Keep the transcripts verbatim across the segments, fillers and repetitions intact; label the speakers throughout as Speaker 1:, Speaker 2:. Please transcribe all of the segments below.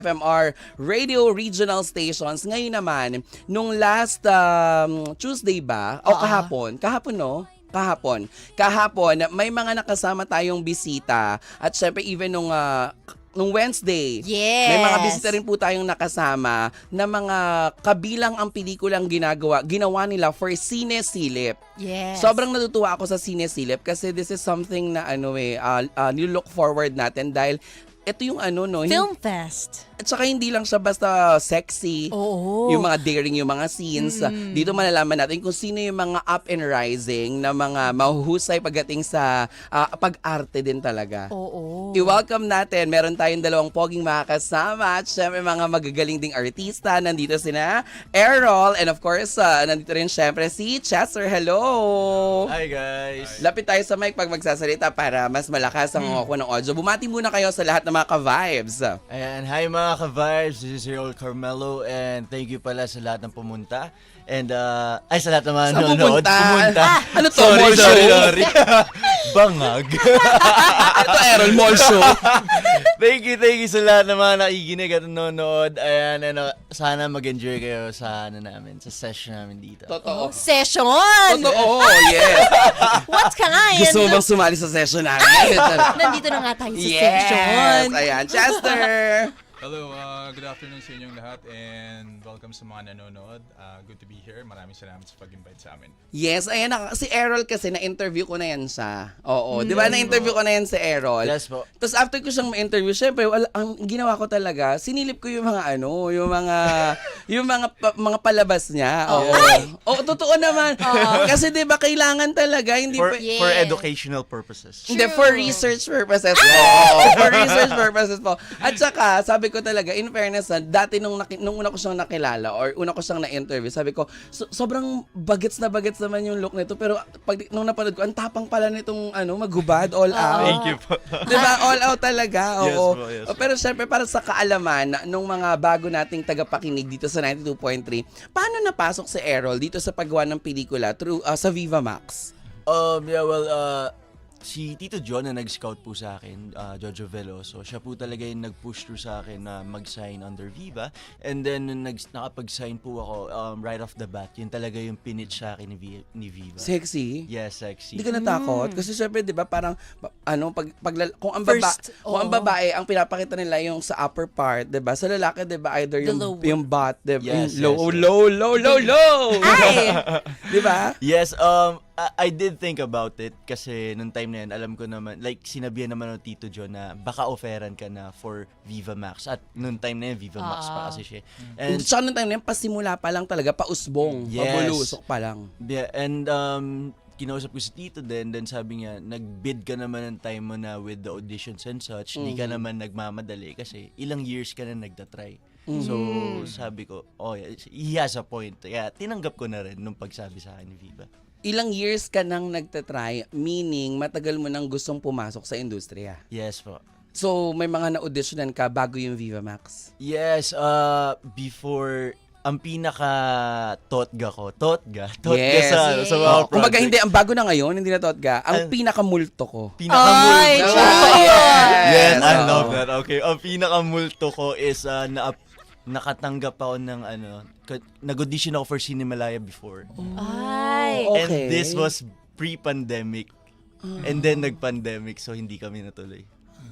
Speaker 1: F M R radio regional stations. Ngayon naman, nung last um, Tuesday ba? O
Speaker 2: Oo.
Speaker 1: kahapon? Kahapon, no? Kahapon. Kahapon, may mga nakasama tayong bisita. At syempre, even nung, ah, nung Wednesday,
Speaker 2: Yes.
Speaker 1: may mga bisita rin po tayong nakasama na mga kabilang ang pelikulang ginagawa, ginawa nila for Sine Silip.
Speaker 2: Yes.
Speaker 1: Sobrang natutuwa ako sa Sine Silip kasi this is something na ano eh, uh, uh, nilook forward natin dahil ito yung ano no, hin-
Speaker 2: Film Fest.
Speaker 1: at saka hindi lang siya basta sexy.
Speaker 2: Oo.
Speaker 1: Yung mga daring, yung mga scenes.
Speaker 2: Mm.
Speaker 1: Dito malalaman natin kung sino yung mga up and rising na mga mahuhusay pagdating sa ah, pag-arte din talaga.
Speaker 2: Oo.
Speaker 1: I-welcome natin. Meron tayong dalawang poging makakasama at syempre mga magagaling ding artista. Nandito sina Errol and of course, ah, nandito rin syempre si Chester. Hello!
Speaker 3: Hi guys!
Speaker 1: Lapit tayo sa mic pag magsasalita para mas malakas ang
Speaker 2: Hmm.
Speaker 1: ako ng audio. Bumati muna kayo sa lahat ng mga ka-vibes.
Speaker 3: Ayan, hi mga ka-vibes! This is Errol Carmelo and thank you pala sa lahat ng pumunta. And uh, ay sa lahat ng mga
Speaker 1: Saan
Speaker 3: nanonood.
Speaker 1: pumunta?
Speaker 3: Pumunta.
Speaker 1: Ah, ano to,
Speaker 3: Sorry,
Speaker 1: mall
Speaker 3: sorry,
Speaker 1: show?
Speaker 3: sorry. Bangag.
Speaker 1: Ito Errol, mall show.
Speaker 3: Thank you, thank you sa lahat ng mga nakikinig at nanonood. Ayan, ano, sana mag-enjoy kayo sa ano namin, sa session namin dito.
Speaker 1: Totoo.
Speaker 2: Session!
Speaker 1: Totoo, yes.
Speaker 2: What kind?
Speaker 1: Gusto mo bang sumali sa session namin?
Speaker 2: Nandito na nga tayo sa
Speaker 1: Yes!
Speaker 2: session.
Speaker 1: Ayan, Chester!
Speaker 4: Hello, uh, good afternoon sa inyong lahat and welcome sa mga nanonood. Uh, good to be here. Maraming salamat sa pag-invite sa amin.
Speaker 1: Yes, ayan na. Si Errol kasi na-interview ko na yan siya. Oo, di ba na-interview ko na yan si Errol?
Speaker 3: Yes po.
Speaker 1: Tapos after ko siyang ma-interview, syempre, wala, ang ginawa ko talaga, sinilip ko yung mga ano, yung mga, yung mga, pa- mga palabas niya. Oo. Oo, totoo naman. Kasi di ba kailangan talaga, hindi
Speaker 3: For,
Speaker 1: pa-
Speaker 2: Yes.
Speaker 3: for educational purposes.
Speaker 1: Hindi,
Speaker 2: True.
Speaker 1: for research purposes po. Oo, for research purposes po. At saka, sabi ko talaga, in fairness, na, dati nung, naki, nung una ko siyang nakilala or una ko siyang na-interview, sabi ko, so, sobrang bagets na bagets naman yung look nito. Pero pag, nung napanood ko, ang tapang pala nitong ano, maghubad, all out.
Speaker 3: Thank you po.
Speaker 1: Diba? All out talaga.
Speaker 3: Yes
Speaker 1: Oo.
Speaker 3: po, yes
Speaker 1: O,
Speaker 3: po.
Speaker 1: Pero syempre, para sa kaalaman na- nung mga bago nating tagapakinig dito sa ninety-two point three, paano napasok si Errol dito sa paggawa ng pelikula through uh, sa Viva Max?
Speaker 3: Um, yeah, well, uh, si Tito John na nag-scout po sa akin, uh, Jojo Veloso, siya po talaga yung nag-push through sa akin na mag-sign under Viva. And then, nung nag- nakapag-sign po ako, um, right off the bat, yun talaga yung pinitch sa akin ni, Vi- ni Viva.
Speaker 1: Sexy?
Speaker 3: Yes, sexy.
Speaker 1: Hindi ka natakot? Kasi syempre, di ba, parang, ba- ano, pag, pag, kung ang, baba,
Speaker 2: First,
Speaker 1: kung ang
Speaker 2: oo.
Speaker 1: babae, ang pinapakita nila yung sa upper part, di ba? Sa lalaki, di ba, either
Speaker 2: The
Speaker 1: yung,
Speaker 2: lower.
Speaker 1: yung butt, di ba?
Speaker 3: Yes,
Speaker 1: Yung low,
Speaker 3: yes, yes.
Speaker 1: low, low, low, low!
Speaker 2: Ay!
Speaker 1: Di ba?
Speaker 3: Yes, um, I, I did think about it kasi nung time na yun, alam ko naman, like sinabihan naman ng Tito John na baka offeran ka na for Viva Max. At nung time na yun, Viva Max pa
Speaker 2: Ah.
Speaker 3: kasi siya.
Speaker 1: And,
Speaker 3: And,
Speaker 1: tsaka nung time na yun, pasimula pa lang talaga, pausbong,
Speaker 3: Yes.
Speaker 1: pabulusok pa lang.
Speaker 3: yeah, and um, kinausap ko si Tito din, then sabi niya, nag-bid ka naman ng time mo na with the auditions and such, di ka naman nagmamadali kasi ilang years ka na nagtatry. So, sabi ko, oh, yeah, he has a point. Kaya tinanggap ko na rin nung pagsabi sa akin ni Viva.
Speaker 1: Ilang years ka nang nagtatry, meaning matagal mo nang gustong pumasok sa industriya.
Speaker 3: Yes po.
Speaker 1: So, may mga na-auditionan ka bago yung Viva Max?
Speaker 3: Yes, uh, before, ang pinaka totga ko, totga, totga
Speaker 1: Yes.
Speaker 3: sa,
Speaker 2: Yes.
Speaker 3: sa mga
Speaker 1: Oh,
Speaker 3: project.
Speaker 1: kumbaga hindi, ang bago na ngayon, hindi na totga. Ang
Speaker 3: An-
Speaker 1: pinakamulto ko.
Speaker 3: Pinakamulto.
Speaker 2: Ay,
Speaker 1: Diba?
Speaker 2: true.
Speaker 3: Yes, I
Speaker 1: oo.
Speaker 3: love that. Okay, ang pinakamulto ko is uh, na nakatanggap ako ng ano, ka- nag-audition ako for Cinemalaya before.
Speaker 2: Ay.
Speaker 1: Oh,
Speaker 3: And
Speaker 1: okay.
Speaker 3: this was pre-pandemic. And then nag-pandemic, so hindi kami natuloy.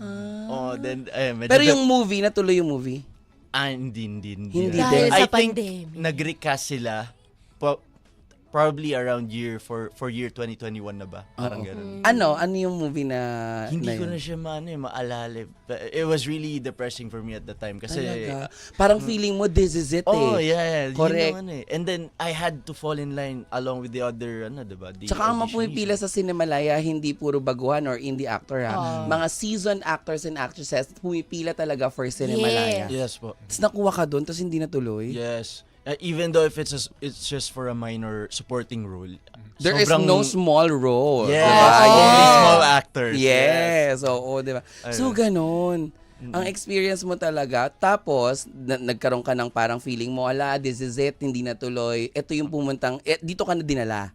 Speaker 3: Oh, then, eh, medyo
Speaker 1: Pero yung movie, natuloy yung movie.
Speaker 3: Ah, hindi, hindi, hindi.
Speaker 1: Hindi
Speaker 2: Dahil
Speaker 1: din.
Speaker 2: sa
Speaker 3: I think
Speaker 2: pandemic.
Speaker 3: nag-recast sila po- probably around year for for year twenty twenty-one na ba? Parang
Speaker 1: Oo.
Speaker 3: ganun.
Speaker 1: Ano? Ano yung movie na
Speaker 3: Hindi
Speaker 1: na
Speaker 3: ko
Speaker 1: yun?
Speaker 3: na siya maano eh, maalala. But it was really depressing for me at the time kasi
Speaker 1: Talaga. Parang feeling mo, this is it
Speaker 3: Oh,
Speaker 1: eh.
Speaker 3: yeah, yeah. Yun
Speaker 1: Correct.
Speaker 3: yung ano eh. And then I had to fall in line along with the other ano, 'di ba? The
Speaker 1: Tsaka ang mga
Speaker 3: auditionees.
Speaker 1: pumipila sa Cinemalaya, hindi puro baguhan or indie actor ha.
Speaker 2: Oh.
Speaker 1: Mga seasoned actors and actresses, pumipila talaga for Cinemalaya.
Speaker 2: Yes.
Speaker 3: Yes po.
Speaker 1: Tapos nakuha ka doon, tapos hindi natuloy.
Speaker 3: Yes. Uh, even though if it's a, it's just for a minor supporting role.
Speaker 1: There is
Speaker 3: sobrang-
Speaker 1: no small role.
Speaker 3: Yes,
Speaker 1: diba?
Speaker 3: only
Speaker 1: Yes.
Speaker 3: small actors.
Speaker 1: Yes, oo, di ba? So,
Speaker 3: Ayun.
Speaker 1: ganun. Ang experience mo talaga, tapos, na- nagkaroon ka ng parang feeling mo, ala, this is it, hindi natuloy. Ito yung pumuntang, eh, dito ka na dinala.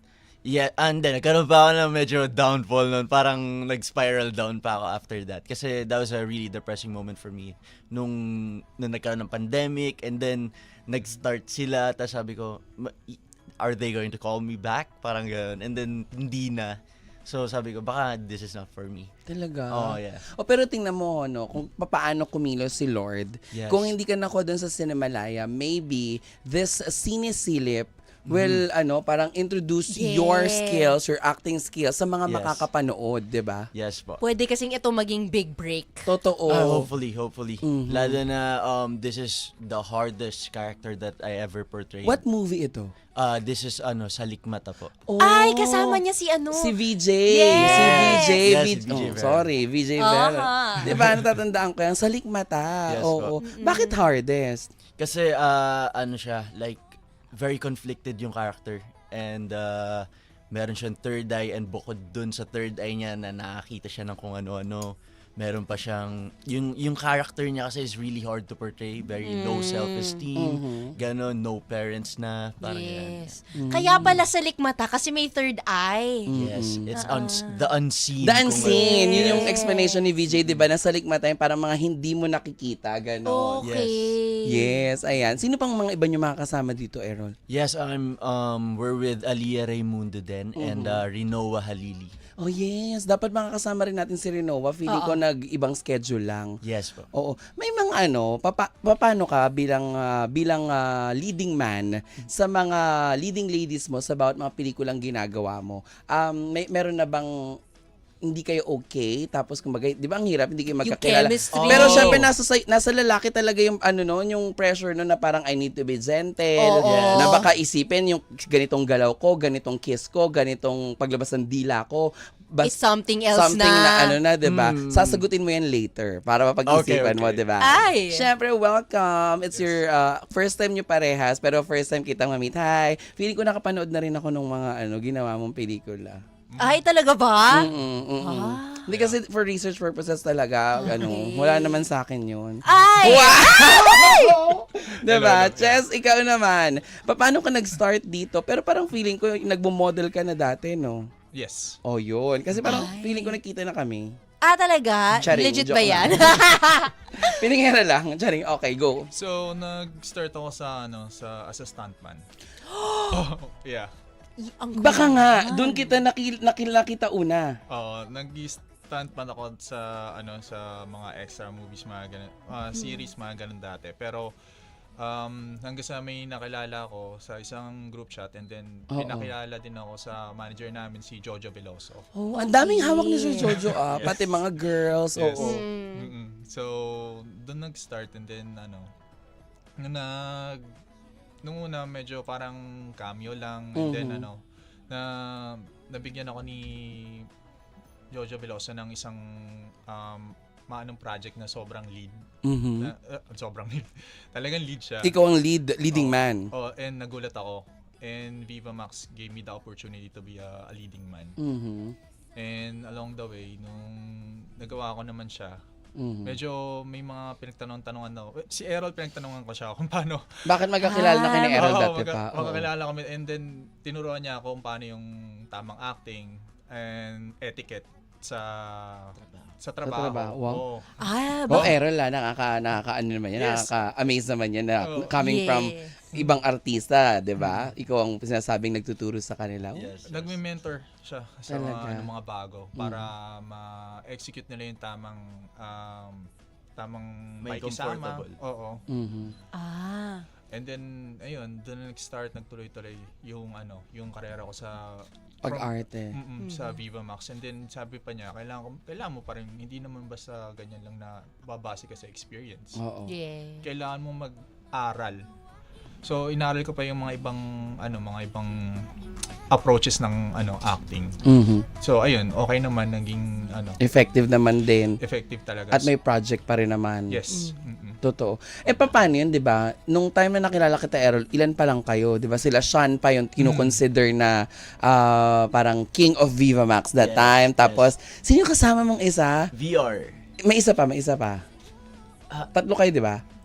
Speaker 3: Yeah, and then nagkaroon pa ako ng medyo downfall noon. Parang nag-spiral down pa ako after that. Kasi that was a really depressing moment for me. Nung, nung nagkaroon ng pandemic and then nag-start sila. Tapos sabi ko, "Ma- are they going to call me back?" Parang gano'n. And then hindi na. So sabi ko, baka this is not for me.
Speaker 1: Talaga?
Speaker 3: Oh, yeah.
Speaker 1: O pero tingnan mo, no, kung paano kumilos si Lord.
Speaker 3: Yes.
Speaker 1: Kung hindi ka nakuha dun sa Cinemalaya, maybe this sinisilip will, ano, parang introduce
Speaker 2: Yes.
Speaker 1: your skills, your acting skills sa mga
Speaker 3: Yes.
Speaker 1: makakapanood, di ba?
Speaker 3: Yes po.
Speaker 2: Pwede kasing ito maging big break.
Speaker 1: Totoo.
Speaker 3: Ah, hopefully, hopefully.
Speaker 1: Mhm.
Speaker 3: Lalo na um, this is the hardest character that I ever portrayed.
Speaker 1: What movie ito?
Speaker 3: Uh, this is ano, Salikmata po.
Speaker 1: Oh,
Speaker 2: Ay, kasama niya si ano.
Speaker 1: Si V J.
Speaker 2: Yes.
Speaker 1: Si V J.
Speaker 3: Yes,
Speaker 1: V-
Speaker 3: si V J
Speaker 1: oh,
Speaker 3: Vera.
Speaker 1: sorry, V J
Speaker 2: Aha.
Speaker 1: Vera. Di ba, natatandaan ko yan? Sa Likmata.
Speaker 3: Yes,
Speaker 1: Oo.
Speaker 3: po.
Speaker 1: Bakit hardest?
Speaker 3: Kasi uh, ano siya, like very conflicted yung character and uh, meron siyang third eye and bukod dun sa third eye niya na nakakita siya ng kung ano-ano. Meron pa siyang, yung, yung character niya kasi is really hard to portray. Very low self-esteem. Ganon, no parents na. Parang yan.
Speaker 2: Yes. Kaya pala sa likmata kasi may third eye.
Speaker 3: Yes, it's uns- the unseen.
Speaker 1: The
Speaker 3: kung
Speaker 1: unseen.
Speaker 3: ano.
Speaker 1: Yun yung
Speaker 2: Yes.
Speaker 1: explanation ni V J, di ba? Nasa Likmata yun, parang mga hindi mo nakikita. Ganon.
Speaker 2: Okay.
Speaker 1: Yes, ayan. Sino pang mga iba nyo makakasama dito, Errol?
Speaker 3: Yes, I'm um we're with Alia Raimundo then and uh, Rinoa Halili.
Speaker 1: Oh yes, dapat makakasama rin natin si Rinoa. Feeling
Speaker 2: Oo.
Speaker 1: ko nag-ibang schedule lang.
Speaker 3: Yes po.
Speaker 1: Oo. May mga ano, papa, paano ka bilang ah, bilang ah, leading man sa mga leading ladies mo sa bawat mga pelikulang ginagawa mo? Um, may meron na bang hindi kayo okay, tapos kumbaga, di ba ang hirap, hindi kayo magkakilala.
Speaker 2: chemistry.
Speaker 1: Pero
Speaker 2: Oh.
Speaker 1: syempre, nasa, sa- nasa lalaki talaga yung, ano no, yung pressure no, na parang I need to be gentle,
Speaker 2: Oo.
Speaker 1: na baka isipin yung ganitong galaw ko, ganitong kiss ko, ganitong paglabas ng dila ko, bas-
Speaker 2: It's something else
Speaker 1: something na,
Speaker 2: na.
Speaker 1: ano na, di ba?
Speaker 3: Hmm.
Speaker 1: Sasagutin mo yan later para mapag-isipan
Speaker 3: Okay,
Speaker 1: mo,
Speaker 3: okay.
Speaker 1: di ba?
Speaker 2: Ay!
Speaker 1: Syempre, welcome. It's your uh, first time nyo parehas, pero first time kitang ma-meet. Hi! Feeling ko nakapanood na rin ako nung mga ano ginawa mong pelikula.
Speaker 2: Ay, talaga ba?
Speaker 1: Mm-mm, mm-mm.
Speaker 2: Ah.
Speaker 1: Hindi kasi for research purposes talaga, ano, wala naman sa akin yun.
Speaker 2: Ay!
Speaker 1: Diba? Chess, ikaw naman. Pa- Paano ka nag-start dito? Pero parang feeling ko, nagbo-model ka na dati, no?
Speaker 4: Yes.
Speaker 1: Oh, yun. Kasi parang
Speaker 2: Ay.
Speaker 1: feeling ko nakita na kami.
Speaker 2: Ah, talaga?
Speaker 1: Charing,
Speaker 2: Legit
Speaker 1: joke
Speaker 2: ba yan?
Speaker 1: Piningera lang. Charing, okay, go.
Speaker 4: So, nag-start ako sa, ano, sa, as a stuntman. oh, yeah.
Speaker 2: Ang
Speaker 1: Baka nga,
Speaker 2: galing.
Speaker 1: doon kita nakil, nakil, nakita una.
Speaker 4: Oo, nag-stuntman ako sa, ano, sa mga extra movies, mga ganun, ah, series, mga ganun dati. Pero, um, hanggang sa may nakilala ko sa isang group chat and then
Speaker 1: Oo.
Speaker 4: pinakilala din ako sa manager namin, si Jojo Veloso.
Speaker 1: Oh, ang daming hawak ni Sir Jojo, ah. Pati mga girls,
Speaker 4: Yes.
Speaker 1: oo.
Speaker 2: Mm.
Speaker 4: Mm-mm. So, doon nag-start and then ano, nung nag nung una medyo parang cameo lang and then
Speaker 1: Mhm.
Speaker 4: ano, na nabigyan ako ni Jojo Veloso ng isang um, maanong project na sobrang lead.
Speaker 1: Mhm.
Speaker 4: Na, uh, sobrang lead. Talagang lead siya.
Speaker 1: Ikaw ang lead, leading
Speaker 4: Oo.
Speaker 1: man.
Speaker 4: Oh, and nagulat ako. And Viva Max gave me the opportunity to be a, a leading man.
Speaker 1: Mhm.
Speaker 4: And along the way, nung nagawa ko naman siya,
Speaker 1: Mhm.
Speaker 4: medyo may mga pinagtanong-tanongan na ako. Eh, Si Errol, pinagtanongan ko siya kung paano.
Speaker 1: Bakit magkakilala na kayo ni
Speaker 2: Ah,
Speaker 1: Errol
Speaker 4: Oo,
Speaker 1: dati
Speaker 4: magka-
Speaker 1: pa? Oo.
Speaker 4: Magkakilala kami and then tinuruan niya ako kung paano yung tamang acting and etiquette sa sa trabaho.
Speaker 1: trabaho, wow.
Speaker 4: Oo.
Speaker 2: Ah,
Speaker 1: Oh,
Speaker 2: ba?
Speaker 1: Errol ah, nakaka, nakaka ano naman yan,
Speaker 4: Yes.
Speaker 1: nakaka-amaze naman yan na
Speaker 4: Oh.
Speaker 1: coming from
Speaker 2: Yes.
Speaker 1: ibang artista, di ba? Ikaw ang sinasabing nagtuturo sa kanila.
Speaker 3: Yes.
Speaker 4: Nagme-mentor siya sa
Speaker 1: Talaga?
Speaker 4: mga, ano, mga bago para ma-execute nila yung tamang um, tamang
Speaker 3: May
Speaker 4: pakikisama.
Speaker 3: comfortable.
Speaker 4: Oo.
Speaker 1: Mhm.
Speaker 2: Ah.
Speaker 4: And then ayun, doon na nag-start nagtuloy-tuloy yung ano, yung karera ko sa
Speaker 1: Pag-arte.
Speaker 4: Mm-mm, sa Viva Max. And then sabi pa niya, kailangan, ko- kailangan mo pa rin, hindi naman basta ganyan lang na babase ka sa experience.
Speaker 1: Oo.
Speaker 2: Yeah.
Speaker 4: Kailangan mo mag-aral. So inaral ko pa yung mga ibang ano, mga ibang approaches ng ano, acting.
Speaker 1: Mhm.
Speaker 4: So ayun, okay naman, naging ano,
Speaker 1: Effective naman din.
Speaker 4: effective talaga.
Speaker 1: At may project pa rin naman.
Speaker 4: Yes. Mm-mm.
Speaker 1: Totoo. Eh, paano yun, di ba? Nung time na nakilala kita, Errol, ilan pa lang kayo? Di ba? Sila Sean pa yung kinukonsider na ah, parang king of Viva Max that
Speaker 3: Yes,
Speaker 1: time.
Speaker 3: yes.
Speaker 1: Tapos, sino yung kasama mong isa?
Speaker 3: V R.
Speaker 1: May isa pa, may isa pa.
Speaker 3: Ah.
Speaker 1: Tatlo kayo, di ba?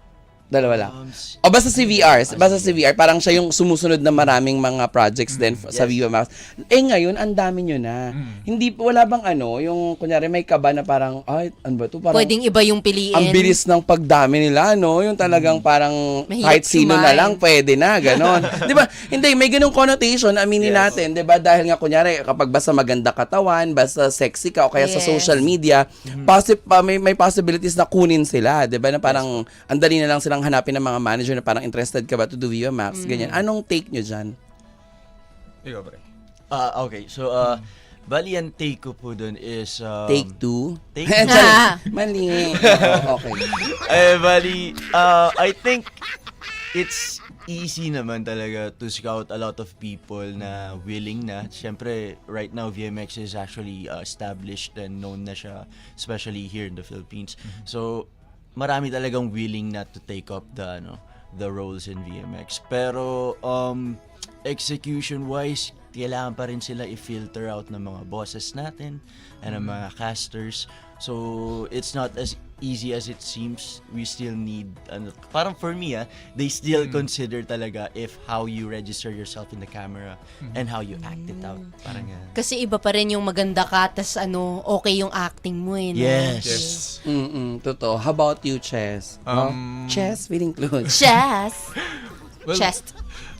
Speaker 1: Dalawa lang.
Speaker 3: Um, s-
Speaker 1: O basta si V R, basta si V R, parang siya yung sumusunod na maraming mga projects din f- sa Viva Max. Eh ngayon, ang dami nyo na. Hindi, wala bang ano, yung kunyari may kaba na parang, ay, ano ba to? Parang,
Speaker 2: Pwedeng iba yung piliin.
Speaker 1: ang bilis ng pagdami nila, no? Yung talagang parang
Speaker 2: Mahirap
Speaker 1: kahit sino na
Speaker 2: sumain.
Speaker 1: lang, pwede na, ganon. Di ba? Hindi, may ganung connotation, aminin natin, di ba? Dahil nga, kunyari, kapag basta maganda katawan, basta sexy ka, o kaya sa
Speaker 2: Yes.
Speaker 1: social media, possi- pa, may, may possibilities na kunin sila, di ba? Na parang, ang dali na lang silang hanapin ng mga manager na parang interested ka ba to do Viva Max, ganyan. Anong take nyo dyan?
Speaker 4: Ikaw, pre.
Speaker 3: Ah, okay. So, uh, bali ang take ko po dun is... Um,
Speaker 1: Take two?
Speaker 3: Take
Speaker 1: Sorry, mali. Oo, okay.
Speaker 3: Eh, bali, uh, I think it's easy naman talaga to scout a lot of people na willing na. Siyempre, right now, V M X is actually uh, established and known na siya, especially here in the Philippines. So, marami talagang willing na to take up the, ano, the roles in V M X. Pero, um, execution-wise, kailangan pa rin sila i-filter out ng mga bosses natin and ng mga casters. So, it's not as easy as it seems. We still need, ano, parang for me, ah, they still consider talaga if how you register yourself in the camera and how you act it out. Parang, uh,
Speaker 2: Kasi iba pa rin yung maganda ka, tas ano, okay yung acting mo eh. No?
Speaker 3: yes.
Speaker 4: Yes.
Speaker 1: Mm-mm, totoo. How about you, Chess? No?
Speaker 4: Um,
Speaker 1: Chess, feeling close.
Speaker 2: Chest.
Speaker 4: Well,
Speaker 2: Chest.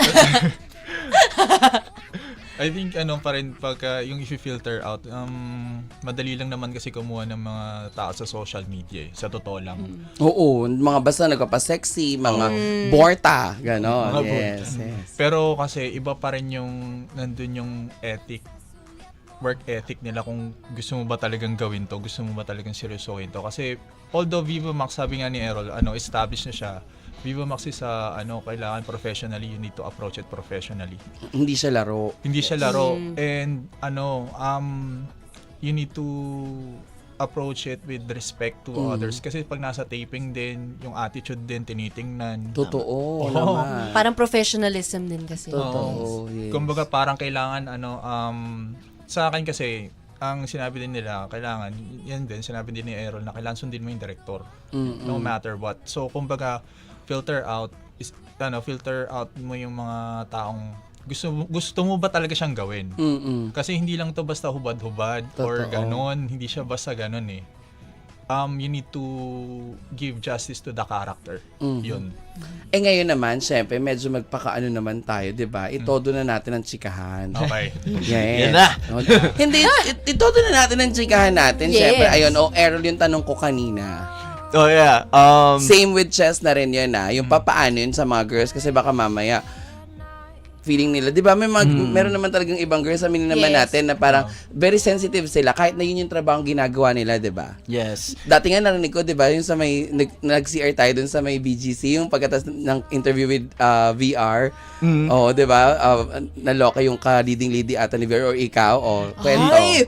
Speaker 4: I think ano pa rin pagka yung i-filter out, um, madali lang naman kasi kumuha ng mga tao sa social media eh, sa totoo lang.
Speaker 1: Oo, mga basta nagpapa-sexy, mga borta, gano'n.
Speaker 3: Mga
Speaker 1: Yes, yes.
Speaker 4: Pero kasi iba pa rin yung nandun yung ethic, work ethic nila kung gusto mo ba talagang gawin to, gusto mo ba talagang seryosohin to. Kasi although Viva Max, sabi nga ni Errol, ano, established na siya, Viva Max is sa ano, kailangan professionally, you need to approach it professionally.
Speaker 1: Hindi siya laro.
Speaker 4: Hindi siya laro and ano, um you need to approach it with respect to others kasi pag nasa taping din, yung attitude din tinitingnan.
Speaker 1: Totoo
Speaker 4: Oo.
Speaker 1: naman.
Speaker 2: Parang professionalism din kasi.
Speaker 1: Totoo, yes.
Speaker 4: Kumbaga parang kailangan ano um sa akin kasi ang sinabi din nila, kailangan, yan din, sinabi din ni Errol na kailangan sundin mo yung director.
Speaker 1: Mm-mm.
Speaker 4: No matter what. So, kumbaga, filter out, is, ano, filter out mo yung mga taong gusto, gusto mo ba talaga siyang gawin?
Speaker 1: Mm-mm.
Speaker 4: Kasi hindi lang to basta hubad-hubad or
Speaker 1: Totoo.
Speaker 4: ganon. Hindi siya basta ganon eh. Um, you need to give justice to the character.
Speaker 1: Mhm.
Speaker 4: Yun.
Speaker 1: Eh ngayon naman, syempre, medyo magpakaano naman tayo, di ba? Itodo na natin ang chikahan.
Speaker 4: Okay.
Speaker 1: Yes.
Speaker 3: Yan na.
Speaker 1: No? Hindi, it- itodo na natin ang chikahan natin.
Speaker 2: Yes.
Speaker 1: Syempre, ayun, oh, Errol yung tanong ko kanina.
Speaker 3: Oh, yeah. Um,
Speaker 1: Same with Chess na rin yun na. Yung papaano yun sa mga girls kasi baka mamaya feeling nila, di ba? May mga, meron naman talagang ibang girls, aminin naman
Speaker 2: Yes.
Speaker 1: natin na parang very sensitive sila kahit na yun yung trabaho ginagawa nila, di ba?
Speaker 3: yes.
Speaker 1: Dati nga narinig ko, di ba, yung sa may, nag, nag-C R tayo dun sa may B G C, yung pagkatas ng interview with uh, V R, oh, di ba, uh, naloka yung ka-leading lady ata ni V R or ikaw, o, kwento.
Speaker 2: Ay!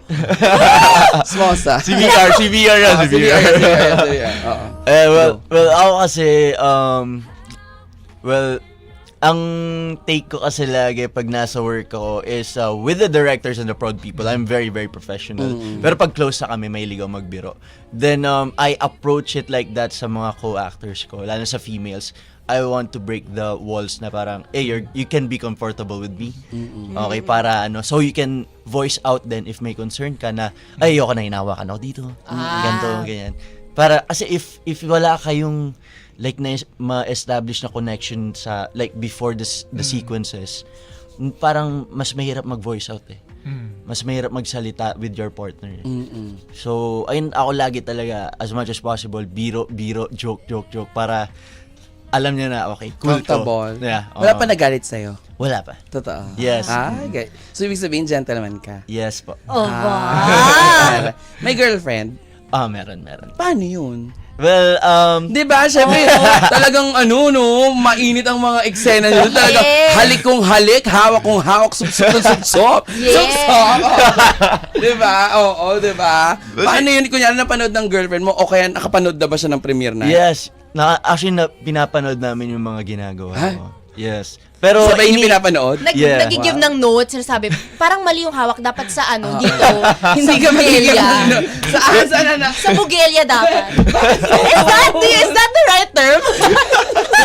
Speaker 1: Smosa.
Speaker 3: C V R, C V R yan,
Speaker 1: Ah,
Speaker 3: C V R.
Speaker 1: C V R, C V R, oo.
Speaker 3: Eh, well, well, ako kasi, um, well, ang take ko kasi lagi pag nasa work ako is uh, with the directors and the prod people, I'm very, very professional. Pero pag close na kami, may ligaw magbiro. Then, um, I approach it like that sa mga co-actors ko, lalo sa females. I want to break the walls na parang, hey, you're, you can be comfortable with me. Okay, para ano, so you can voice out then if may concern ka na, ay, ayoko na hinawakan ako dito.
Speaker 2: Ah.
Speaker 3: Ganito, ganyan. Para, kasi if, if wala kayong, like na ma-establish na connection sa like before the the sequences, parang mas mahirap mag-voice out eh. Mas mahirap magsalita with your partner. Eh.
Speaker 1: Mm-mm.
Speaker 3: So, ayun ako lagi talaga as much as possible biro biro joke joke joke para alam niya na okay, cool
Speaker 1: Comfortable.
Speaker 3: to. Yeah.
Speaker 1: Wala
Speaker 3: oo.
Speaker 1: pa nagalit sa'yo?
Speaker 3: Wala pa.
Speaker 1: Totoo?
Speaker 3: Yes.
Speaker 1: Ah, okay. So, ibig sabihin, gentleman ka?
Speaker 3: Yes po.
Speaker 2: Oh,
Speaker 1: Ah.
Speaker 2: wow.
Speaker 1: May girlfriend?
Speaker 3: Ah, meron meron.
Speaker 1: Paano yun?
Speaker 3: Well, um
Speaker 1: Di ba? Siyempre, talagang ano, no, mainit ang mga eksena nyo. Talagang
Speaker 2: Yes.
Speaker 1: halik kong halik, hawak kong hawak, supsop kong supsop.
Speaker 2: Yes.
Speaker 1: Supsop. Di ba? Oo, di ba? Paano yun? Kunyari napanood ng girlfriend mo o kaya nakapanood na ba siya ng premiere na?
Speaker 3: yes. Na, actually, na, pinapanood namin yung mga ginagawa
Speaker 1: Ha?
Speaker 3: ko. Yes. Pero
Speaker 1: Sabay
Speaker 3: ini-
Speaker 1: niyo pinapanood?
Speaker 2: Nag,
Speaker 3: Yeah.
Speaker 2: Nagigive ng notes, sinasabi, parang mali yung hawak, dapat sa ano, dito.
Speaker 1: Hindi
Speaker 2: sa
Speaker 1: ka magiging
Speaker 2: bugelya.
Speaker 1: ano. Saan? Saan na?
Speaker 2: Sa bugelya dapat. is, that the, is that the right term?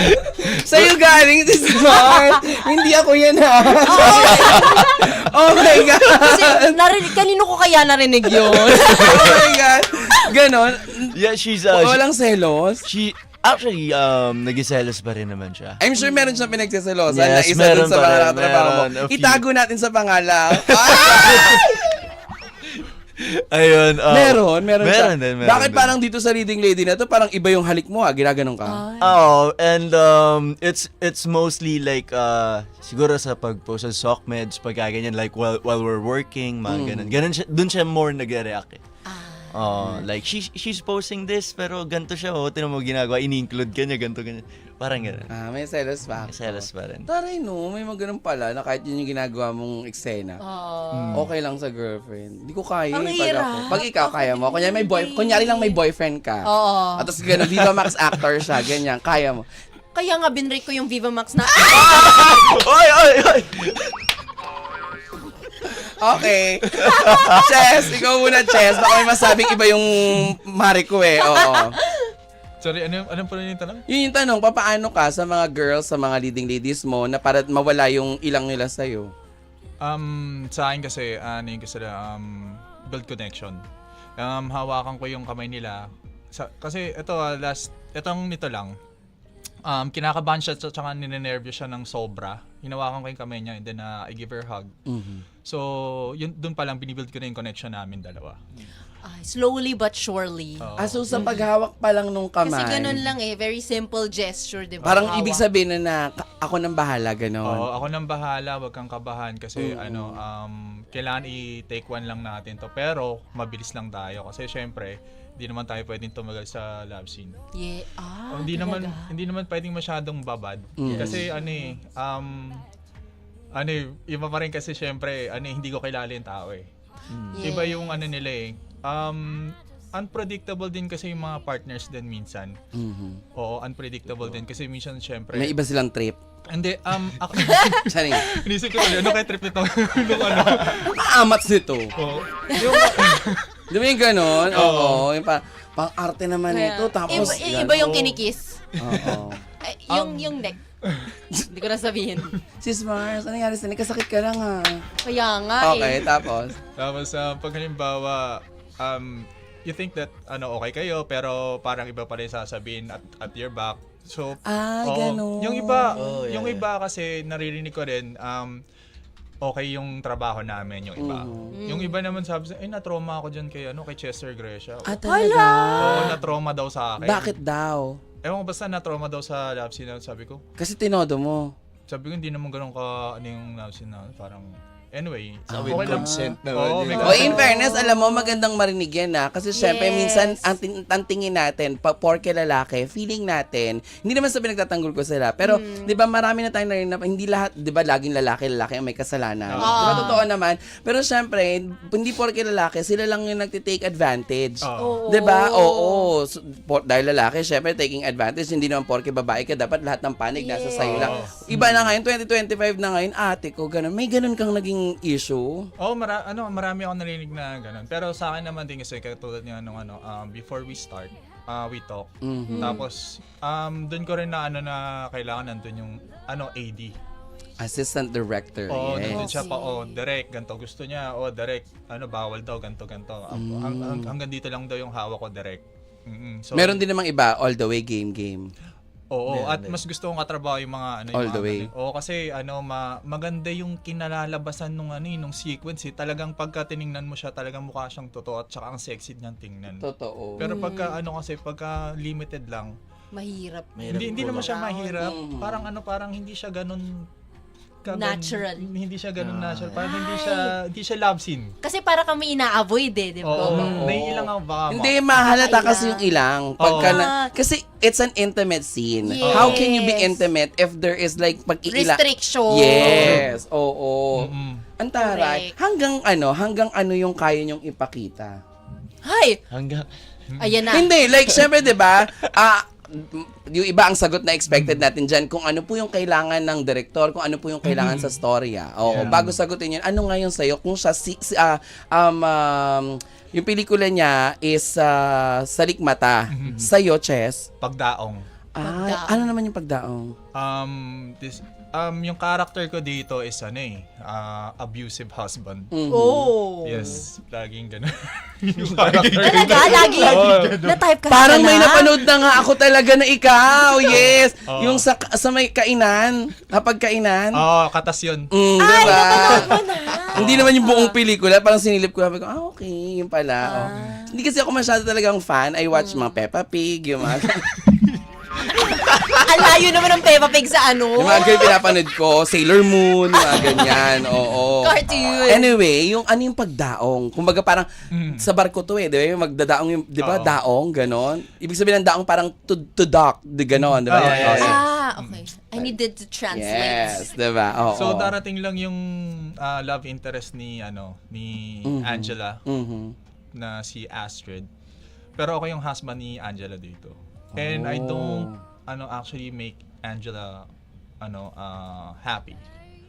Speaker 1: Sa'yo galing si Smart. Hindi ako yan ha. Oh my God.
Speaker 2: Kasi narinig, kanino ko kaya narinig yun?
Speaker 1: Oh my God. Ganon.
Speaker 3: Yeah, she's, uh,
Speaker 1: Walang selos.
Speaker 3: she, actually, um, nagiselos pa rin naman siya.
Speaker 1: I'm sure meron siyang pinagsiselosan na
Speaker 3: Yes,
Speaker 1: isa
Speaker 3: meron
Speaker 1: dun sa
Speaker 3: pa
Speaker 1: mga
Speaker 3: rin,
Speaker 1: nakatrabaho mo.
Speaker 3: meron, a few.
Speaker 1: Itago natin sa pangalan. Ah!
Speaker 3: Ayun. Um,
Speaker 1: meron, meron, siya.
Speaker 3: meron din, meron
Speaker 1: Bakit
Speaker 3: din.
Speaker 1: parang dito sa leading lady na to, parang iba yung halik mo ha? Ginaganon ka?
Speaker 3: Oh, and um, it's it's mostly like uh, siguro sa pag-post sa SocMeds, pag ganyan, like while while we're working, mga
Speaker 1: Mm.
Speaker 3: ganun. Ganun siya, dun siya more nagre-react eh. Oh, like she she's posting this pero ganito siya, oh, tinan mo ginagawa, ini-include ka niya, ganito ganyan. Parang ganun.
Speaker 1: Ah, may selos pa.
Speaker 3: May selos pa rin.
Speaker 1: Taray no, may mga ganun pala na kahit yun yung ginagawa mong eksena. Okay lang sa girlfriend. Hindi ko kaya.
Speaker 2: Ang
Speaker 1: eh, pag
Speaker 2: hirap.
Speaker 1: ako. Pag ikaw kaya mo, kunyari may boy, kunyari lang may boyfriend ka.
Speaker 2: Oo.
Speaker 1: At tapos ganun, Viva Max actor siya, ganyan, kaya mo.
Speaker 2: Kaya nga binrake ko yung Viva Max na,
Speaker 3: Oy, oy, oy.
Speaker 1: Okay. Chess, ikaw muna, Chess. Baka may masabing iba yung mari ko eh. Oo.
Speaker 4: Sorry, ano, anong pa rin yung tanong?
Speaker 1: Yun yung tanong, papaano ka sa mga girls, sa mga leading ladies mo na para mawala yung ilang nila sa'yo?
Speaker 4: Um, sa akin kasi, ano yung gusto nila, um, build connection. Um, hawakan ko yung kamay nila. Sa, kasi ito, ah, last, itong nito lang, um, kinakabahan siya at saka ninenervyo siya ng sobra. Hinawakan ko yung kamay niya and then uh, I give her a hug.
Speaker 1: Mhm.
Speaker 4: So, yun, dun pa lang, binibuild ko na yung connection namin dalawa.
Speaker 2: ah, slowly but surely.
Speaker 4: Oo.
Speaker 1: Ah, so sa paghawak pa lang nung kamay.
Speaker 2: Kasi ganun lang eh, very simple gesture, di ba?
Speaker 1: Parang
Speaker 2: Hawak.
Speaker 1: ibig sabihin na, na ka- ako nang bahala, ganon.
Speaker 4: Oo, ako nang bahala, wag kang kabahan kasi ano, um, kailangan i-take one lang natin to. Pero, mabilis lang tayo kasi syempre, hindi naman tayo pwedeng tumagal sa love scene.
Speaker 2: Yeah. Ah,
Speaker 4: Oh, hindi naman
Speaker 2: talaga?
Speaker 4: hindi naman pwedeng masyadong babad
Speaker 1: Mm.
Speaker 4: kasi ano eh um ano eh, iba pa rin kasi syempre ano eh, hindi ko kilala yung tao eh.
Speaker 2: Yeah.
Speaker 4: Iba yung ano nila eh. Um unpredictable din kasi yung mga partners din minsan.
Speaker 1: Mhm.
Speaker 4: Oo, unpredictable din kasi minsan syempre.
Speaker 1: May iba silang trip.
Speaker 4: Hindi um ako
Speaker 1: Sorry.
Speaker 4: inisip ko ulit, ano kaya trip nito? Nung ano?
Speaker 1: Aamats nito.
Speaker 4: Oo. Yung
Speaker 1: Di ba yung ganon? Oo. Yung pa, pang-arte naman
Speaker 2: Kaya,
Speaker 1: ito. Tapos,
Speaker 2: iba, iba yung kinikiss.
Speaker 1: Oo.
Speaker 2: Ay, yung, yung neck. Hindi ko na sabihin.
Speaker 1: Sis Mars, ano nangyari sa Kasakit ka lang ha.
Speaker 2: Kaya nga
Speaker 1: Okay,
Speaker 2: eh.
Speaker 1: tapos?
Speaker 4: Tapos uh, pag halimbawa, um, you think that ano okay kayo pero parang iba pa rin sasabihin at, at your back. So,
Speaker 1: Ah,
Speaker 4: oo.
Speaker 1: ganon.
Speaker 4: Yung iba,
Speaker 3: Oh, yeah,
Speaker 4: yung
Speaker 3: yeah.
Speaker 4: iba kasi naririnig ko rin, um, okay yung trabaho namin, yung iba.
Speaker 1: Mhm.
Speaker 4: Yung iba naman sabi sa, eh, na-trauma ako dyan kay, ano, kay Chester Gracia.
Speaker 1: Ah, talaga?
Speaker 4: Oo, na-trauma daw sa akin.
Speaker 1: Bakit daw?
Speaker 4: Ewan ko basta na-trauma daw sa love scene na sabi ko.
Speaker 1: Kasi tinodo mo.
Speaker 4: Sabi ko, hindi naman ganun ka, ano yung love scene na, parang, anyway.
Speaker 3: So,
Speaker 1: Ah,
Speaker 3: with
Speaker 4: okay lang.
Speaker 3: consent naman
Speaker 4: Oo,
Speaker 3: yun.
Speaker 4: may
Speaker 1: O
Speaker 4: consent.
Speaker 1: in fairness, alam mo, magandang marinig yan ha. Kasi syempre,
Speaker 2: Yes.
Speaker 1: minsan, ang, tin- ang tingin natin, pa, porke lalaki, feeling natin, hindi naman sa pinagtatanggol ko sila. Pero, di ba, marami na tayong narinig na, hindi lahat, di ba, laging lalaki, lalaki ang may kasalanan.
Speaker 4: Oo.
Speaker 1: Di ba, totoo naman. Pero syempre, hindi porke lalaki, sila lang yung nagtitake advantage.
Speaker 4: Oo.
Speaker 2: Oo.
Speaker 1: Di ba? Oo. So, por- dahil lalaki, syempre, taking advantage, hindi naman porke babae ka, dapat lahat ng panig nasa
Speaker 2: Yes.
Speaker 1: sayo lang. Iba na ngayon, twenty twenty-five na ngayon, ate ko, ganun. May ganun kang naging issue?
Speaker 4: Oo, mara- ano, marami ako narinig na ganun. Pero sa akin naman din kasi katulad niya nung ano, um, before we start, uh, we talk.
Speaker 1: Mhm.
Speaker 4: Tapos um doon ko rin na ano na kailangan nandun yung ano A D.
Speaker 1: Assistant director.
Speaker 4: Oo,
Speaker 1: yes.
Speaker 4: nandun siya pa, oh, direct, ganto gusto niya. Oh, direct, ano, bawal daw, ganto ganto. Ang- ang- ang- hanggang dito lang daw yung hawak ko direct. Mm-mm. So,
Speaker 1: Meron din namang iba, all the way, game, game.
Speaker 4: Oo,
Speaker 3: Meron
Speaker 4: at
Speaker 3: din.
Speaker 4: mas gusto kong katrabaho yung mga ano yung
Speaker 1: All
Speaker 4: mga
Speaker 1: the way.
Speaker 4: ganun. Oo, kasi ano ma maganda yung kinalalabasan nung ano eh, nung sequence eh. Talagang pagka tiningnan mo siya, talagang mukha siyang totoo at saka ang sexy niyang tingnan.
Speaker 1: Totoo.
Speaker 4: Pero pagka ano kasi pagka limited lang,
Speaker 2: Mahirap.
Speaker 3: Mahirap
Speaker 4: hindi hindi naman siya
Speaker 2: pull
Speaker 4: mahirap.
Speaker 1: Mhm.
Speaker 4: Parang ano, parang hindi siya ganun kagan-
Speaker 2: Natural.
Speaker 4: Hindi siya ganun
Speaker 3: Ah.
Speaker 4: natural. Parang hindi siya hindi siya love scene.
Speaker 2: Kasi para kami ina-avoid eh, di ba?
Speaker 4: Oo,
Speaker 1: Mm.
Speaker 4: naiilang ang baka.
Speaker 1: Hindi, mahalata
Speaker 2: Ilang.
Speaker 1: kasi yung ilang. Pagka
Speaker 2: Oo.
Speaker 1: na, kasi it's an intimate scene.
Speaker 2: Yes.
Speaker 1: How can you be intimate if there is like pag-iila?
Speaker 2: Restriction.
Speaker 1: Yes, oo.
Speaker 4: Mm-mm.
Speaker 1: Ang taray.
Speaker 2: Correct.
Speaker 1: Hanggang ano, hanggang ano yung kaya nyong ipakita?
Speaker 2: Hay!
Speaker 3: Hanggang,
Speaker 2: Ayan na.
Speaker 1: Hindi, like, syempre, di ba, ah, yung iba ang sagot na expected natin dyan, kung ano po yung kailangan ng director, kung ano po yung kailangan sa storya. Oo,
Speaker 4: Yeah.
Speaker 1: bago sagutin yun, ano nga yung sa'yo? Kung siya, si, si, ah, um, um, yung pelikula niya is ah, Salikmata. Sa'yo, Chess,
Speaker 4: Pagdaong.
Speaker 1: Ay,
Speaker 2: Pagdaong.
Speaker 1: ano naman yung pagdaong?
Speaker 4: Um, this, um, yung character ko dito is ano eh, ah, abusive husband.
Speaker 1: Mhm.
Speaker 2: Oh.
Speaker 4: Yes, laging gano'n. yung character ko.
Speaker 2: Talaga, lagi. Na-type ka
Speaker 1: Parang may
Speaker 2: na?
Speaker 1: napanood na nga ako talaga na ikaw. Yes.
Speaker 4: Oo.
Speaker 1: Yung sa, sa may kainan. Kapag kainan.
Speaker 4: Oo, katas yun.
Speaker 1: Mm,
Speaker 2: Ay,
Speaker 1: diba?
Speaker 2: napanood mo na.
Speaker 1: Hindi naman yung buong pelikula. Parang sinilip ko. Sabi ko, ah, okay. Yung pala. Oh. Hindi kasi ako masyado talagang fan. I watch mga Peppa Pig. Yung mga,
Speaker 2: Ang layo naman ng Peppa Pig sa ano.
Speaker 1: yung mga girl pinapanood ko. Sailor Moon. Yung mga ganyan. Oo.
Speaker 2: Cartoon.
Speaker 1: Anyway, yung ano yung pagdaong. Kumbaga parang sa barko to eh. Di ba? Yung magdadaong yung, di ba?
Speaker 4: Oo.
Speaker 1: Daong, ganon. Ibig sabihin ng daong parang to, to dock. Di ganon. Di ba?
Speaker 4: Oo, yes.
Speaker 1: Oo.
Speaker 2: Ah, okay. I needed to translate.
Speaker 1: Yes, diba? Oo.
Speaker 4: So darating lang yung ah, love interest ni ano ni
Speaker 1: Mhm.
Speaker 4: Angela
Speaker 1: Mhm.
Speaker 4: na si Astrid. Pero ako yung husband ni Angela dito. And I
Speaker 1: Oh.
Speaker 4: don't ano actually make Angela ano ah, happy.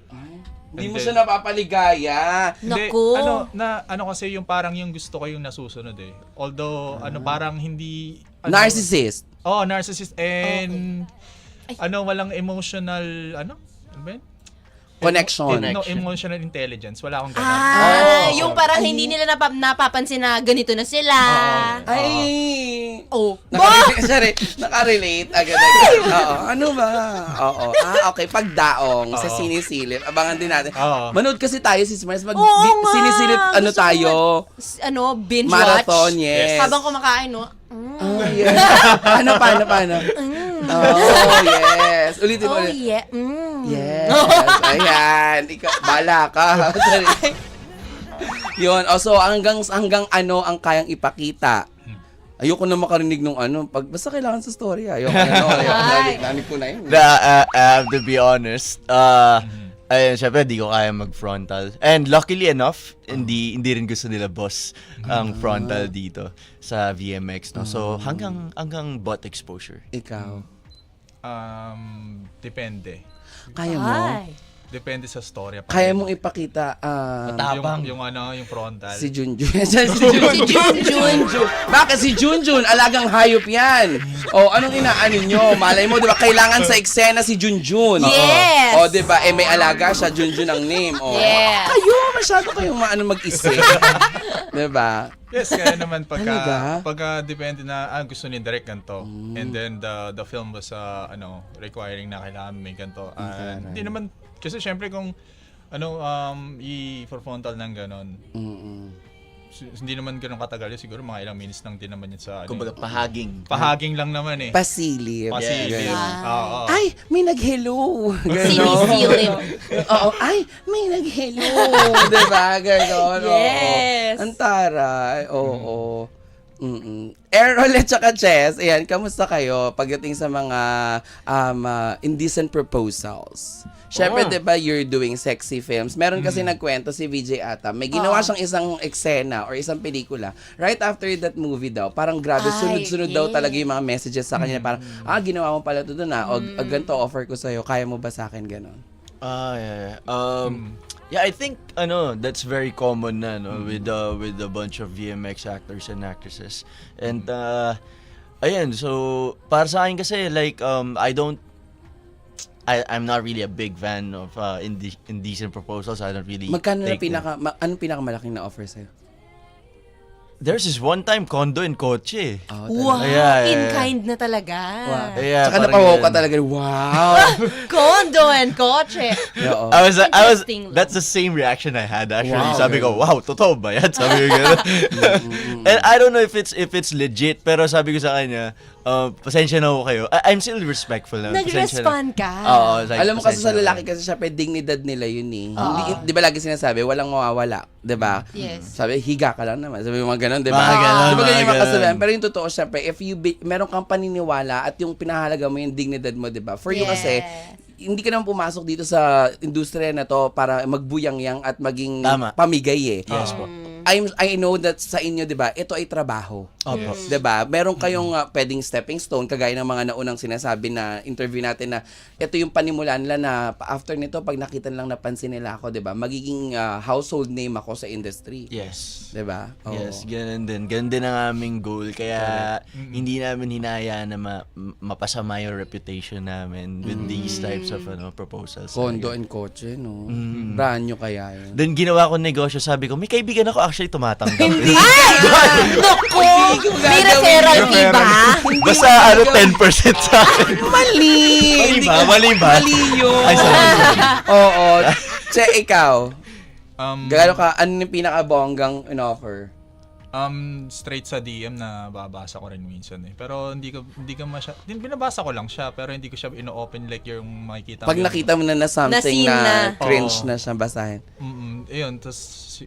Speaker 1: Hindi mo
Speaker 4: And
Speaker 1: siya
Speaker 4: then-
Speaker 1: napapaligaya.
Speaker 4: Hindi,
Speaker 2: Naku.
Speaker 4: ano na ano kasi yung parang yung gusto ko yung nasusunod eh. Although ano parang hindi ano,
Speaker 1: Narcissist.
Speaker 4: Oh, narcissist and
Speaker 2: Ay.
Speaker 4: ano walang emotional ano? Ano ba yun?
Speaker 1: Connection.
Speaker 4: No, emotional intelligence. Wala akong ganun.
Speaker 2: Ah,
Speaker 1: Oh.
Speaker 2: yung parang
Speaker 1: Ay.
Speaker 2: hindi nila napap- napapansin na ganito na sila.
Speaker 4: Oo.
Speaker 1: Ay!
Speaker 2: Oh.
Speaker 1: Nakarelate, sorry, nakarelate agad-agad. Oo, ano ba? Oo. Ah, okay. Pagdaong sa
Speaker 4: Oo.
Speaker 1: sinisilip. Abangan din natin.
Speaker 4: Oo.
Speaker 1: Manood kasi tayo, sis Mars. Mag
Speaker 2: Oo
Speaker 1: di-
Speaker 2: nga.
Speaker 1: sinisilip, ano
Speaker 2: Gusto ko
Speaker 1: tayo?
Speaker 2: S- Ano, binge
Speaker 1: Marathon,
Speaker 2: watch.
Speaker 1: yes.
Speaker 2: Habang kumakain, no? Mm.
Speaker 1: Oh, yes. Paano, paano, paano? Oh, yes. Ulitin mo
Speaker 2: Oh,
Speaker 1: ulit.
Speaker 2: yeah. Mm.
Speaker 1: Yes. Ayan. Ikaw, bala ka. Sorry. Yun. Oh, so hanggang, hanggang ano ang kayang ipakita. Ayoko na makarinig nung ano. Pag, basta kailangan sa story. Ayoko na. No, ayoko na.
Speaker 2: Ay.
Speaker 1: Nanig ko na yun.
Speaker 3: Na, uh, I have to be honest. Uh, ayun, syempre, di ko kaya mag-frontal. And luckily enough, hindi hindi rin gusto nila boss ang frontal dito sa V M X. No? So, hanggang hanggang butt exposure.
Speaker 1: Ikaw.
Speaker 4: Um, depende.
Speaker 1: Kaya mo?
Speaker 2: Ay.
Speaker 4: Depende sa story.
Speaker 1: Kaya mong ipakita ah,
Speaker 3: Matapang.
Speaker 4: yung, yung ano, yung frontal.
Speaker 1: si Junjun. si Junjun.
Speaker 2: Si Junjun.
Speaker 1: Bakit si Junjun? Alagang hayop yan. O, anong inaanin nyo? Malay mo, di ba? Kailangan sa eksena si Junjun.
Speaker 2: Yes.
Speaker 1: O, di ba? Eh, may alaga siya. Junjun ang name. O,
Speaker 2: Yes.
Speaker 1: kayo, masyado kayong maano mag-isip. di ba?
Speaker 4: Yes, kaya naman pagka
Speaker 1: Talaga?
Speaker 4: pagka depende na ah, gusto ni direct ganito. And then the the film was uh, ano, requiring na kailangan may ganito. Ah, hindi naman kasi syempre kung ano um i-frontal ng ganon.
Speaker 1: Mm-mm.
Speaker 4: s- Hindi naman ganun katagal yun. Siguro mga ilang minutes lang din naman yun sa ano.
Speaker 3: Kumbaga, pahaging.
Speaker 4: Pahaging lang naman eh.
Speaker 1: Pasilip.
Speaker 4: Pasilip.
Speaker 1: Ganun.
Speaker 4: Oo.
Speaker 1: Ay, may nag-hello. Ganon.
Speaker 2: Sinisilip.
Speaker 1: Oo. Ay, may nag-hello. diba? Ganon. oo.
Speaker 2: Yes.
Speaker 1: Ang taray. Oo. Mm-mm. Errol at saka Chess, ayan, kamusta kayo pagdating sa mga um, uh, indecent proposals? Siyempre,
Speaker 3: Oh.
Speaker 1: di ba, you're doing sexy films. Meron kasi nagkwento si V J Ata. May ginawa
Speaker 2: Oo.
Speaker 1: siyang isang eksena or isang pelikula. Right after that movie daw, parang grabe,
Speaker 2: Ay,
Speaker 1: sunod-sunod daw
Speaker 2: yeah.
Speaker 1: talaga yung mga messages sa kanya. Parang, ah, ginawa mo pala ito doon ah. O, o ganito, offer ko sa'yo. Kaya mo ba sa akin ganon?
Speaker 3: Ah, yeah, yeah. Um, yeah, I think ano, that's very common na no with uh, with a bunch of V M X actors and actresses. And uh ayan, so para sa akin kasi like um I don't I I'm not really a big fan of uh inde- indecent proposals. I don't really
Speaker 1: Magkano na
Speaker 3: take them.
Speaker 1: pinaka, ma- anong pinakamalaking na offer sa'yo?
Speaker 3: There's this one time condo and kotse.
Speaker 1: Oh,
Speaker 2: Wow,
Speaker 3: Yeah, yeah,
Speaker 2: in
Speaker 3: yeah.
Speaker 2: kind na talaga.
Speaker 1: Wow.
Speaker 3: Yeah,
Speaker 1: Tsaka
Speaker 3: parang
Speaker 1: napawaw ka
Speaker 3: ganun.
Speaker 1: talaga. Wow!
Speaker 2: Condo and kotse.
Speaker 1: Oo.
Speaker 3: I was I was
Speaker 2: Interesting lang.
Speaker 3: that's the same reaction I had actually.
Speaker 1: Wow,
Speaker 3: sabi ko,
Speaker 1: ganun.
Speaker 3: wow, totoo ba yan? Sabi ko gano'n. And I don't know if it's if it's legit, pero sabi ko sa kanya, uh, pasensya na ho kayo. I- I'm still respectful na. Pasensya na.
Speaker 2: Nag-respond ka.
Speaker 3: Oo, like,
Speaker 1: Alam mo kasi sa
Speaker 3: pasensya na.
Speaker 1: lalaki kasi syempre dignidad nila yun eh. Hindi, di ba lagi sinasabi, walang mawawala, di ba?
Speaker 2: Yes.
Speaker 1: Sabi, higa ka lang naman. Sabi, mga ganun, di ba?
Speaker 3: Mga ganun,
Speaker 1: Di ba ganyan
Speaker 3: mga
Speaker 1: yung mga
Speaker 3: ganun.
Speaker 1: kasabihan? Pero yung totoo, syempre, if you be, meron kang paniniwala at yung pinahalaga mo yung dignidad mo, di ba? For you kasi,
Speaker 2: Yes.
Speaker 1: hindi ka naman pumasok dito sa industriya na to para magbuyang-yang at maging
Speaker 3: Tama.
Speaker 1: pamigay eh.
Speaker 3: Yes po.
Speaker 1: I'm, I know that sa inyo, di ba, ito ay trabaho.
Speaker 3: Opo.
Speaker 1: Di ba? Meron kayong uh, pwedeng stepping stone, kagaya ng mga naunang sinasabi na interview natin na ito yung panimulan nila na after nito, pag nakita nilang napansin nila ako, di ba, magiging uh, household name ako sa industry.
Speaker 3: Yes.
Speaker 1: Di ba? Oo.
Speaker 3: Yes, ganun din. Ganun din ang aming goal. Kaya hindi namin hinayaan na ma- mapasama yung reputation namin with these types of ano proposals.
Speaker 1: Kondo and kotse, no? Brand nyo kaya yun.
Speaker 3: Then ginawa ko negosyo, sabi ko, may kaibigan ako actually tumatanggap. Hindi!
Speaker 2: Naku! May referral fee ba?
Speaker 3: Basta ano, ten percent sa akin.
Speaker 1: Mali!
Speaker 3: Mali
Speaker 1: Hindi
Speaker 3: ba?
Speaker 1: ka-
Speaker 3: Mali ba?
Speaker 1: Mali yun.
Speaker 3: Ay, sorry.
Speaker 1: Oo. Che, ikaw,
Speaker 4: Um,
Speaker 1: gano'n ka, ano yung pinaka-bonggang in-offer?
Speaker 4: Um, straight sa D M na babasa ko rin minsan eh. Pero hindi ko hindi ko masya, din binabasa ko lang siya pero hindi ko siya ino-open like yung makikita
Speaker 1: Pag
Speaker 4: mo.
Speaker 1: nakita mo na na something
Speaker 2: Na-scene
Speaker 1: na,
Speaker 2: na.
Speaker 1: cringe
Speaker 4: Oo.
Speaker 1: na siya basahin.
Speaker 4: Mm, ayun, tapos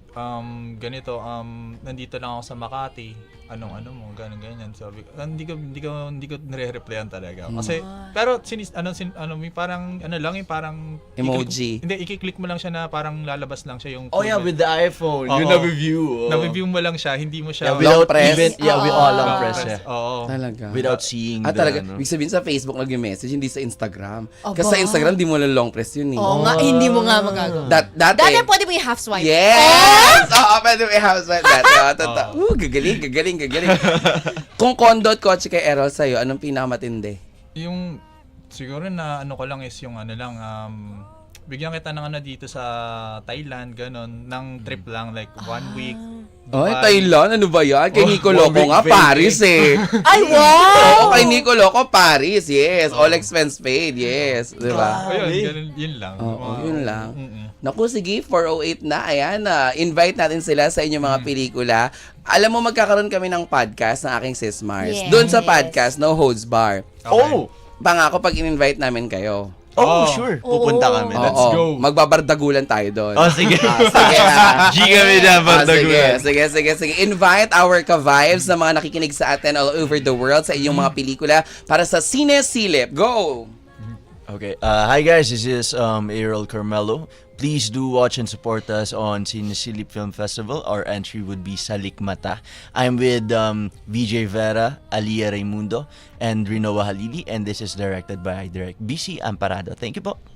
Speaker 4: um ganito um nandito lang ako sa Makati. Anong ano mo, ganun ganyan. Sabi ko, ah, hindi ko hindi ko hindi ko nire-replyan talaga. Kasi pero sinis ano sin, ano may parang ano lang yung parang
Speaker 1: Emoji.
Speaker 4: i-click- hindi i-click mo lang siya na parang lalabas lang siya yung
Speaker 3: Oh yeah, with the iPhone.
Speaker 4: Oo.
Speaker 3: Yung na-review. Oh.
Speaker 4: na-review mo lang siya, hindi mo siya
Speaker 3: Yeah, without
Speaker 1: press.
Speaker 3: even, yeah, with all long
Speaker 4: long
Speaker 3: press,
Speaker 4: press.
Speaker 3: yeah.
Speaker 4: Oo.
Speaker 1: Talaga.
Speaker 3: Without seeing
Speaker 1: Ah,
Speaker 3: the,
Speaker 1: talaga.
Speaker 3: ano.
Speaker 1: Ibig sabihin sa Facebook lang yung message, hindi sa Instagram.
Speaker 2: Aba.
Speaker 1: Kasi sa Instagram, di mo lang long press yun eh.
Speaker 2: Oo nga, eh, hindi mo nga magagawa.
Speaker 1: Dat, dati.
Speaker 2: Dati pwede mo yung half swipe.
Speaker 1: Yes! Oo, pwede mo i-house like that. Oo, totoo. Uh, gagaling, gagaling, gagaling. Kung condo at kotse kay Errol sa'yo, anong pinakamatindi?
Speaker 4: Yung siguro na ano ko lang is yung ano lang um bigyan kita ng ano dito sa Thailand ganon ng trip lang like one week.
Speaker 1: Ay,
Speaker 4: Dubai.
Speaker 1: Thailand, ano ba yan? Kay
Speaker 4: Oh,
Speaker 1: Nico
Speaker 3: one
Speaker 1: Loco
Speaker 3: week
Speaker 1: nga,
Speaker 3: vacay.
Speaker 1: Paris eh.
Speaker 2: Ay, wow!
Speaker 1: Oo, kay Nico Loco, Paris, yes. All expense paid, yes. Di ba?
Speaker 4: Ayun, ganun, yun lang.
Speaker 1: Oo,
Speaker 4: Mga-
Speaker 1: yun lang.
Speaker 4: Mm-mm.
Speaker 1: Naku, sige, four oh eight na. Ayan, na invite natin sila sa inyong mga pelikula. Alam mo, magkakaroon kami ng podcast ng aking sis Mars.
Speaker 2: Yes.
Speaker 1: Doon sa podcast, No Holds Bar.
Speaker 4: Okay.
Speaker 3: Oh!
Speaker 1: Pangako pag in-invite namin kayo.
Speaker 3: Oh,
Speaker 4: Oh.
Speaker 3: sure. Pupunta
Speaker 2: Oo.
Speaker 3: kami.
Speaker 1: Oo,
Speaker 3: Let's go.
Speaker 1: magbabardagulan tayo doon.
Speaker 3: Oh, sige.
Speaker 1: Sige, ah.
Speaker 3: G kami na,
Speaker 1: Ah, sige,
Speaker 3: Bardagulan.
Speaker 1: sige, sige, sige. Invite our ka-vibes na mga nakikinig sa atin all over the world sa inyong mga pelikula para sa Sine Silip. Go!
Speaker 3: Okay. Uh, hi guys, this is um, Errol Carmelo. Please do watch and support us on Cinesilip Film Festival. Our entry would be Salikmata. I'm with um, V J Vera, Alia Raimundo, and Rinoa Halili, and this is directed by Direct B C Amparado. Thank you po.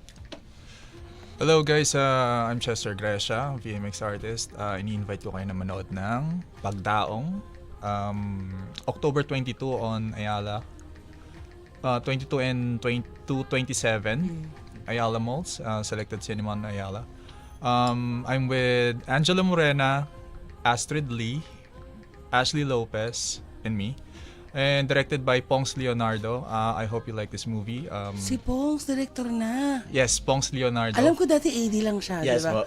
Speaker 4: Hello guys, uh, I'm Chester Gresha, V M X artist. Uh, ini-invite ko kayo na manood ng Pagdaong. Um, October twenty-two on Ayala. Uh, twenty-two and twenty-two, twenty-seven. Ayala Malls, uh, Selected Cinema on Ayala. Um, I'm with Angela Morena, Astrid Lee, Ashley Lopez, and me. And directed by Pongs Leonardo. Uh, I hope you like this movie. Um,
Speaker 1: Si Pongs, director na.
Speaker 4: yes, Pongs Leonardo.
Speaker 1: Alam ko dati A D lang siya,
Speaker 3: Yes
Speaker 1: di ba?
Speaker 3: po.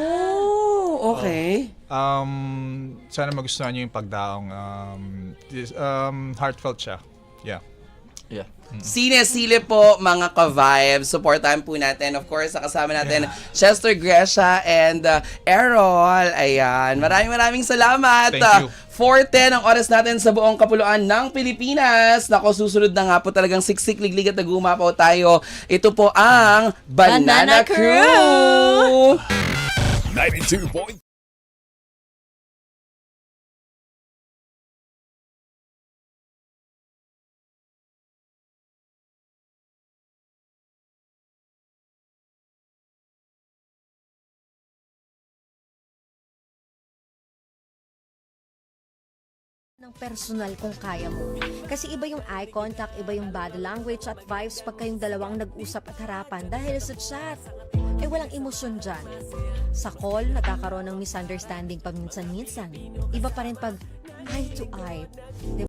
Speaker 1: Oh, okay.
Speaker 4: Um, sana magustuhan niyo yung Pagdaong. Um, this, um, heartfelt siya. Yeah.
Speaker 3: Yeah.
Speaker 1: Sine Silip po, mga ka-vibes. Supportahan po natin. Of course, kasama natin Chester Gresha and uh, Errol. Ayan. Maraming maraming salamat.
Speaker 4: Thank you.
Speaker 1: four ten ang oras natin sa buong kapuluan ng Pilipinas. Nako, susunod na nga po talagang siksik, liglig at nagumapaw tayo. Ito po ang Banana,
Speaker 2: Banana
Speaker 1: Crew!
Speaker 5: ninety-two point
Speaker 6: ng personal kung kaya mo. Kasi iba yung eye contact, iba yung body language at vibes pag kayong dalawang nag-usap at harapan dahil sa chat. Eh walang emosyon dyan. Sa call, nagkakaroon ng misunderstanding paminsan-minsan. Iba pa rin pag eye to eye.